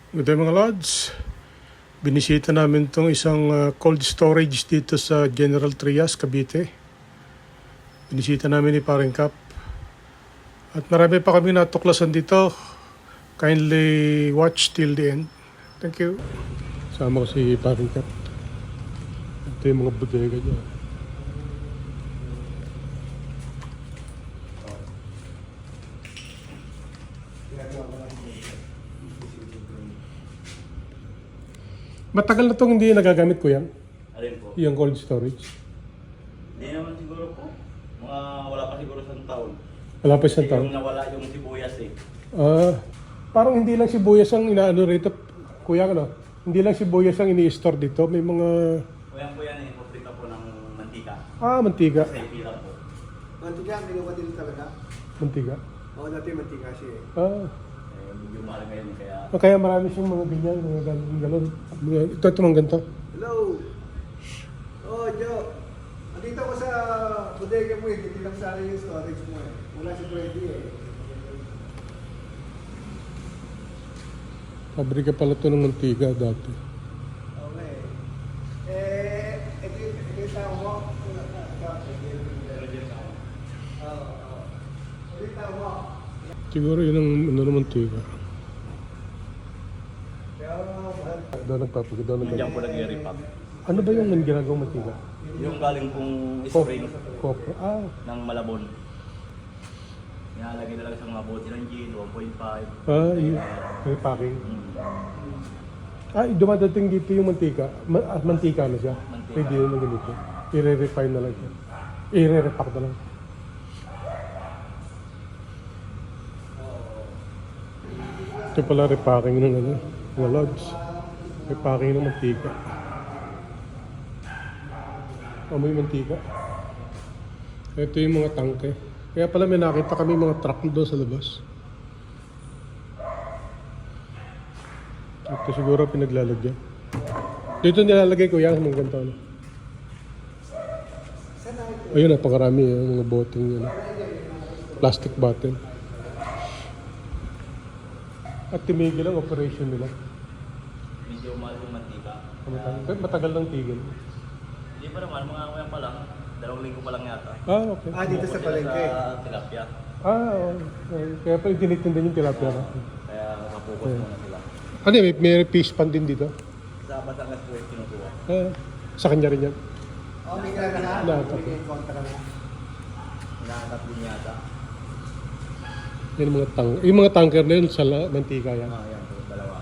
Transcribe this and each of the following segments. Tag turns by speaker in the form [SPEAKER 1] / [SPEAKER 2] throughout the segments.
[SPEAKER 1] Good day mga Lods. Binisita namin itong isang cold storage dito sa General Trias, Cavite. Binisita namin ni Paring Cap. At marami pa kami natuklasan dito. Kindly watch till the end. Thank you. Sama ko si Paring Cap. Ito yung mga bodega niya. Matagal na itong hindi nagagamit ko yan.
[SPEAKER 2] Alin po?
[SPEAKER 1] Yung cold storage.
[SPEAKER 2] Hindi naman siguro po. Wala pa siguro isang taon.
[SPEAKER 1] Wala pa isang
[SPEAKER 2] Kasi
[SPEAKER 1] taon.
[SPEAKER 2] yung nawala yung sibuyas eh.
[SPEAKER 1] Parang hindi lang sibuyas ang inaano rito, kuya, ano? Hindi lang sibuyas ang ini-store dito. May mga...
[SPEAKER 2] Kuya po yan eh. Paprika po ng mantika.
[SPEAKER 1] Mantika.
[SPEAKER 2] Sa ipila po.
[SPEAKER 3] Mantika, ginawa din talaga.
[SPEAKER 1] Mantika.
[SPEAKER 3] Oo, dati mantika siya eh.
[SPEAKER 2] Medyo mahal ngayon eh. Kaya
[SPEAKER 1] Kaya marami siyang mga ganyan, mga galon. Ito mga ganito.
[SPEAKER 3] Hello! Oh, Joe. Andito ko sa bodega mo eh. Hindi lang sana yung storage mo eh. Wala si Freddy eh.
[SPEAKER 1] Pabrika pala ito ng mantika dati.
[SPEAKER 3] Okay. Ito yung tao mo. Wala ka. Oo. Ito yung tao mo.
[SPEAKER 1] Siguro yun ang ano ng mantika.
[SPEAKER 3] Kaya mahal.
[SPEAKER 1] Doon nagpapagod, doon
[SPEAKER 2] nandiyan po
[SPEAKER 1] nagpapagod.
[SPEAKER 2] nag-repack.
[SPEAKER 1] Ano ba yung ginagawang mantika?
[SPEAKER 2] Yung galing pong spring
[SPEAKER 1] Copper.
[SPEAKER 2] ng Malabon. Nilalagay na lang sa mga bote ng gin, 1.5.
[SPEAKER 1] Yung repacking. Dumadating dito yung mantika. Mantika na siya.
[SPEAKER 2] Mantika.
[SPEAKER 1] Pwede yun na ganito. I-refine na lang siya. I-repack na lang. Ito pala repacking ng ano, ng logs. Repacking ng mantika. Amoy mantika. Ito yung mga tangke. Kaya pala may nakita kami mga truck doon sa labas. Ito siguro pinaglalagyan. Dito nilalagay ko yan, mga ganito. Ano? Ayun, napakarami yung mga boteng yun. Plastic bottle. At tumigil ang operation nila.
[SPEAKER 2] Medyo mahal yung mantika.
[SPEAKER 1] Matagal lang tigil.
[SPEAKER 2] Hindi pa naman, mga kuya pa lang. 2 linggo pa lang yata.
[SPEAKER 1] Okay.
[SPEAKER 3] Dito sa palengke.
[SPEAKER 2] Sa tilapia.
[SPEAKER 1] Okay. Kaya pala tinitinda yung tilapia na.
[SPEAKER 2] Kaya nakapokus muna sila.
[SPEAKER 1] Ano may fish pan din dito?
[SPEAKER 2] Sa Batangas po yung kinukuha.
[SPEAKER 1] Sa kanya rin yan.
[SPEAKER 3] Oh, may kaya ka na?
[SPEAKER 1] Lahat.
[SPEAKER 3] May kontra na.
[SPEAKER 2] Hinahanap din yata.
[SPEAKER 1] Yung mga tanker na yun sa mantika yan.
[SPEAKER 2] Yan po, dalawa.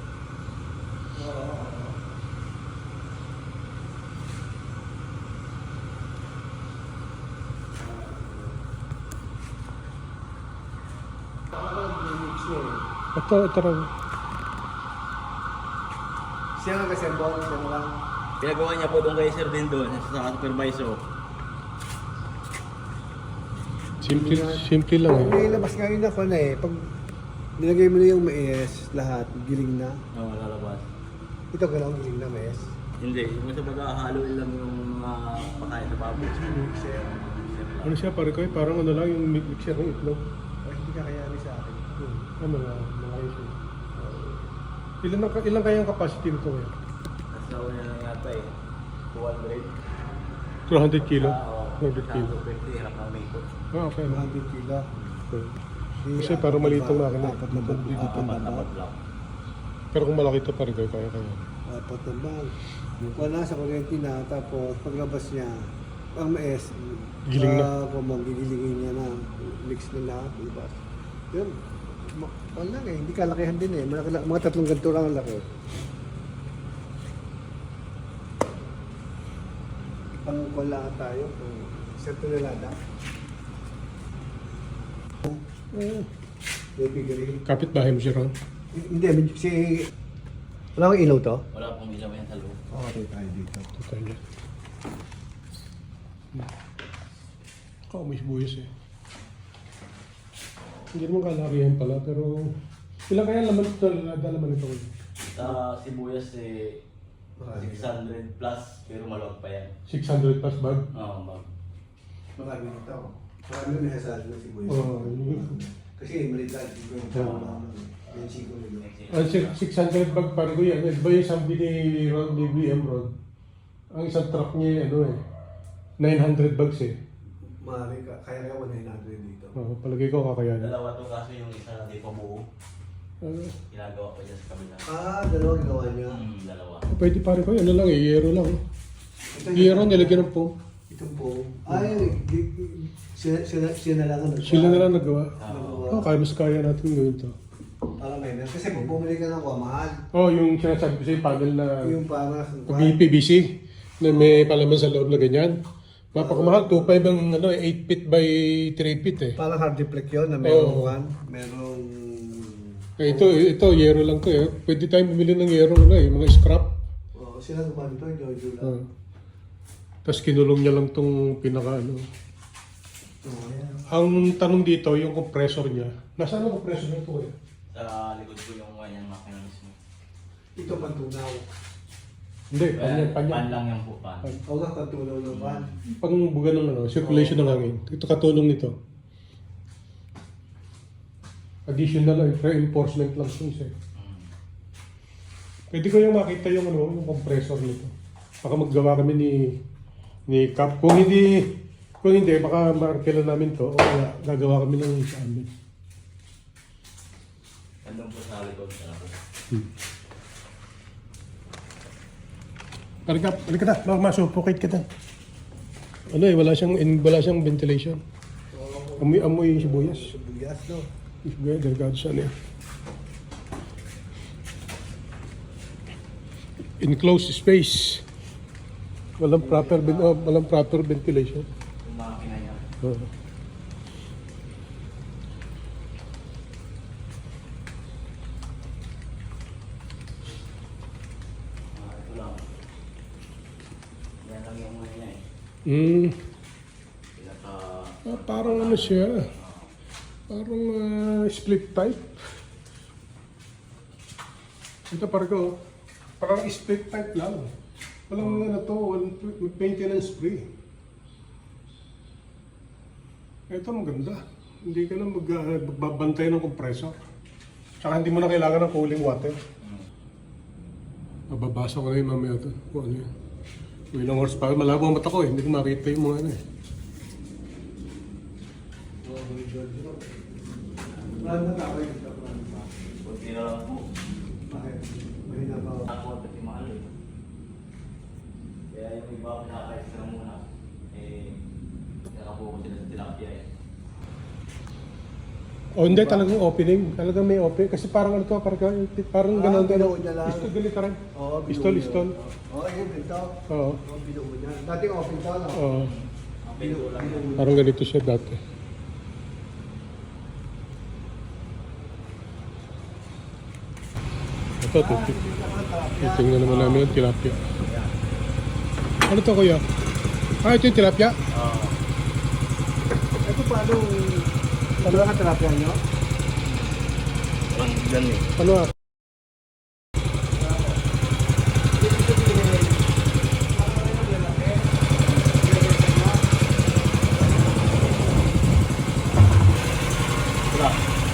[SPEAKER 3] Mix niya eh.
[SPEAKER 1] Ito raw.
[SPEAKER 3] Siya nga kasi ang bonus, siya lang.
[SPEAKER 2] Pinagawa niya po doon kay Sir din doon, sa supervisor.
[SPEAKER 1] Simple lang eh.
[SPEAKER 3] May labas nga yun ako na eh. Pag nilagay mo na yung mais, lahat, giling na.
[SPEAKER 2] Oo, lalabas.
[SPEAKER 3] Ito gano'ng giling na mais.
[SPEAKER 2] Hindi, yung sa pag-ahalo lang yung mga pakain sa baboy.
[SPEAKER 1] Ano siya pare ko parang ano lang yung mixer ng itlog.
[SPEAKER 3] Ay, hindi kakayanin sa akin.
[SPEAKER 1] Mga issue. Ilan kaya ang capacity nito ngayon?
[SPEAKER 2] Nasa una lang yata eh. 200.
[SPEAKER 1] 200 kilo?
[SPEAKER 2] Oo.
[SPEAKER 1] 200 kilo.
[SPEAKER 2] 20, hirap ng may ikot.
[SPEAKER 1] Okay.
[SPEAKER 3] 100 kilo.
[SPEAKER 1] Okay. Kasi parang maliit ang makina.
[SPEAKER 3] Apat na bag. Apat na bag.
[SPEAKER 2] lang.
[SPEAKER 1] Pero kung malaki ito pare ko kaya.
[SPEAKER 3] Apat na bag. Wala sa kuryente na. Tapos paglabas niya, ang mais,
[SPEAKER 1] Giling na.
[SPEAKER 3] kung magigilingin niya na, mix na lahat, libas. Yun. Wala eh, hindi kalakihan din eh. Mga 3 ganito lang ang laki. Wala tayo kung sa tonelada. Baby green.
[SPEAKER 1] Kapit bahay mo siya ron.
[SPEAKER 3] Hindi, si... Wala kang ilaw to?
[SPEAKER 2] Wala pong ilaw yan sa loob.
[SPEAKER 3] Okay, tayo dito.
[SPEAKER 1] Ito tayo. May sibuyas eh. Hindi naman kalarihan pala pero... Ilan kaya laman ito? Laman ito.
[SPEAKER 2] Sa sibuyas eh, 600 plus, pero maluwag pa yan.
[SPEAKER 1] 600 plus bag?
[SPEAKER 2] Oo, bag.
[SPEAKER 3] Marami nito. Marami na sa atin si Boy.
[SPEAKER 1] Oo.
[SPEAKER 3] Kasi maliit lang. Hindi ko yung Mexico nito.
[SPEAKER 1] Ang 600 bag pare ko yan. Iba yung sabi ni Rod, ni BM Rod. Ang isang truck niya, 900 bags eh.
[SPEAKER 3] Maaari ka, kaya nga 100 dito.
[SPEAKER 1] Palagay ko kakayanin.
[SPEAKER 2] Dalawa to kaso yung isa hindi pa buo. Ginagawa ko dyan sa kabila.
[SPEAKER 3] Dalawa ginawa niya.
[SPEAKER 2] Dalawa.
[SPEAKER 1] Pwede pare ko, ano lang eh, yero lang. Yero, nilagyan ng foam.
[SPEAKER 3] Itong po. Ay, sila na lang ang nagpa.
[SPEAKER 1] Sila na lang nagawa.
[SPEAKER 3] Nagawa.
[SPEAKER 1] Kaya mas kaya natin gawin to.
[SPEAKER 3] Para may kasi kung bumili ka ng mahal.
[SPEAKER 1] Yung sinasabi ko sa'yo, panel na
[SPEAKER 3] Yung para
[SPEAKER 1] PVC na may palaman sa loob na ganyan. Mapakamahal, 2.5 ang 8 feet by 3 feet eh.
[SPEAKER 3] parang hard deflect yun na merong
[SPEAKER 1] Oo.
[SPEAKER 3] merong
[SPEAKER 1] Ito, yero lang to eh. Pwede tayong bumili ng yero mga scrap.
[SPEAKER 3] sila naman ito, Jojo lang.
[SPEAKER 1] Tapos kinulong niya lang tong pinaka
[SPEAKER 3] Ayan.
[SPEAKER 1] Ang tanong dito, yung compressor niya. Nasaan ang compressor nito eh?
[SPEAKER 2] Sa likod ko yung kanyang makina mismo.
[SPEAKER 3] Ito pantunaw.
[SPEAKER 1] Hindi, panya.
[SPEAKER 2] Pan lang yan po, pan.
[SPEAKER 3] O nga, pantunaw ng pan.
[SPEAKER 1] Pangbuga ng circulation ng hangin. Ito katulong nito. Additional reinforcement lang ito isa. Pwede ko yung makita yung yung compressor nito. Baka maggawa kami ni Cap. Kung hindi, baka markila namin to o kaya gagawa kami ng sa amin.
[SPEAKER 2] Nandun po sa likod sa labo.
[SPEAKER 1] Halika na, masupukit ka na. Wala siyang ventilation. Amoy sibuyas.
[SPEAKER 3] Sibuyas, no?
[SPEAKER 1] Sibuyas, delikado siya niya. Enclosed space. Walang proper ventilation.
[SPEAKER 2] Yung makina niya. Ito lang. Yan lang yung mga niya eh. Pinaka...
[SPEAKER 1] Parang siya. Parang split type. Ito parang split type lang. Walang maintenance free. Ito maganda. Hindi ka na magbabantay ng compressor. Tsaka hindi mo na kailangan ng cooling water. Mababasa ko na yung mamaya ito. Kung ano yun. Kung ilang horsepower. Malabo ang mata ko eh. Hindi ko makita yung mga
[SPEAKER 3] Plan na kakay ito.
[SPEAKER 2] Kunti na lang po.
[SPEAKER 3] Bakit? Mahina pa.
[SPEAKER 2] Ako at pati mahal eh. Kaya yung iba pinaka-extra muna. Nakabuko sila sa tilapia eh.
[SPEAKER 1] Hindi talagang opening. Talagang may open. Kasi parang parang gano'n.
[SPEAKER 3] Binuo niya lang.
[SPEAKER 1] Pistol ganito rin.
[SPEAKER 3] Oo,
[SPEAKER 1] Pistol.
[SPEAKER 3] yun, ito.
[SPEAKER 1] Oo.
[SPEAKER 3] Binuo niya. Dating open to, no?
[SPEAKER 1] Oo.
[SPEAKER 2] Binuo lang yan.
[SPEAKER 1] Parang ganito siya dati. Ito, tingnan naman namin yung tilapia. Ano to kuya? Ito yung tilapia?
[SPEAKER 2] Oo.
[SPEAKER 3] Ito paano ang terapya nyo?
[SPEAKER 2] Parang dyan eh.
[SPEAKER 1] Ano
[SPEAKER 2] Wala.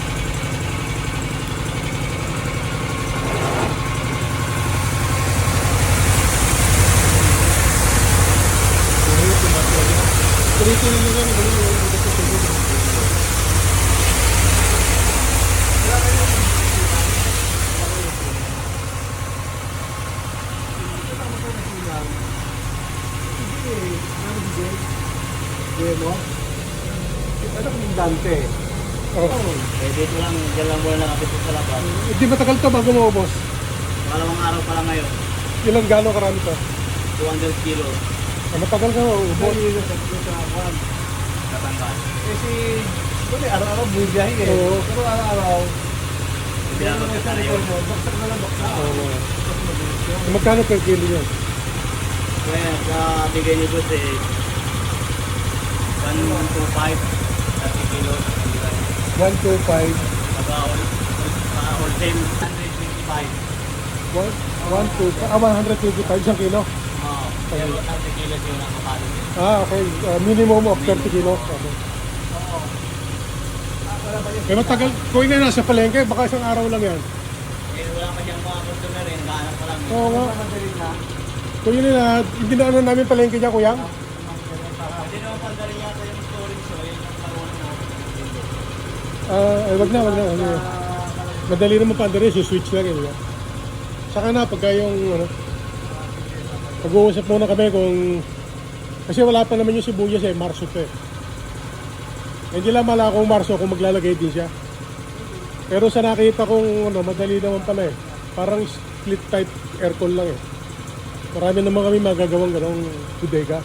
[SPEAKER 3] Demo? Ano kung Dante?
[SPEAKER 2] Dito lang, dyan lang muna nakapit sa labas.
[SPEAKER 1] Hindi matagal to bago maubos.
[SPEAKER 2] Pangalawang araw pa lang ngayon.
[SPEAKER 1] Ilang gano'ng karami to?
[SPEAKER 2] 200 kilos.
[SPEAKER 1] Matagal ka maubos.
[SPEAKER 2] Katanggal.
[SPEAKER 3] Kasi, araw-araw bumibiyahe eh.
[SPEAKER 1] Oo.
[SPEAKER 3] Pero araw-araw,
[SPEAKER 2] Hindi na magkasara yun.
[SPEAKER 3] baksak na lang, baksak.
[SPEAKER 1] Magkano per kilo yan?
[SPEAKER 2] Kaya sa bigay niyo doon eh, 125, 30 kilos.
[SPEAKER 1] 125.
[SPEAKER 2] All same, 125.
[SPEAKER 1] 125 isang kilo.
[SPEAKER 2] Oo. Kaya 30 kilos yung nakapalit.
[SPEAKER 1] Okay. Minimum of 30 kilos. Okay.
[SPEAKER 2] Oo.
[SPEAKER 3] pala ba yun?
[SPEAKER 1] Eh matagal, kung na nasa palengke, baka isang araw lang yan.
[SPEAKER 2] Eh, wala pa siyang mga customer rin, naghahanap pa lang.
[SPEAKER 1] Oo nga.
[SPEAKER 3] Madali na.
[SPEAKER 1] Kung yun na, hindi na ano namin palengke dyan, kuya.
[SPEAKER 2] Hindi naman pandali yata yung storage so yun yung karoon mo.
[SPEAKER 1] Ay, wag na. Madali naman pa rin, switch lang yun. Saka na, pagka yung, ano, pag-uusap muna kami kung, kasi wala pa naman yung sibuyas eh, Marso to eh. Hindi lang mala kung Marso kung maglalagay din siya. Pero sa nakita kong, ano, madali naman pala eh. Parang split type aircon lang eh. Marami naman kami magagawang ganong bodega.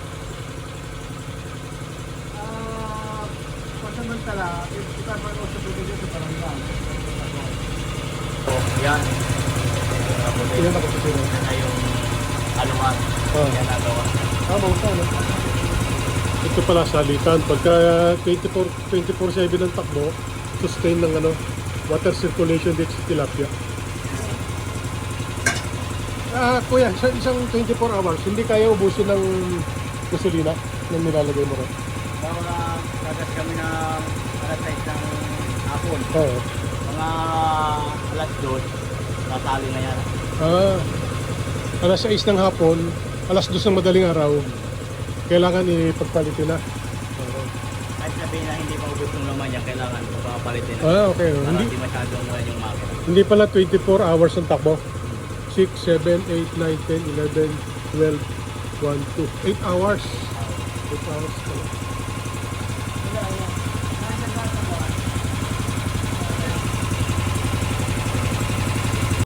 [SPEAKER 3] Pansamantala, kita man o sa bibigyan sa barangay.
[SPEAKER 2] So, yan. Tapos
[SPEAKER 1] Ilan ako sa sila?
[SPEAKER 2] na yung haluan.
[SPEAKER 1] Oh.
[SPEAKER 2] Yan nagawa.
[SPEAKER 1] Bauta, no? Ito pala salitan. Pagka 24/7 ng takbo, sustain ng ano, water circulation dito sa tilapia. Kuya, sa isang 24 hours, hindi kaya ubusin ng gasolina na nilalagay mo rin.
[SPEAKER 2] Mga kagas kami ng alas 6 ng hapon.
[SPEAKER 1] Oo.
[SPEAKER 2] Mga alas 2, natali na yan.
[SPEAKER 1] Alas 6 ng hapon, alas 2 ng madaling araw, kailangan ipagpalitin na.
[SPEAKER 2] Kahit sabihin na hindi pa ubos yung laman yan, kailangan papalitin na.
[SPEAKER 1] Okay.
[SPEAKER 2] Para
[SPEAKER 1] Hindi,
[SPEAKER 2] hindi masyadong mula yung makina.
[SPEAKER 1] hindi pala 24 hours ang takbo. 6, 7, 8, 9, 10, 11, 12, 1, 2. 8 hours. 8 hours pala.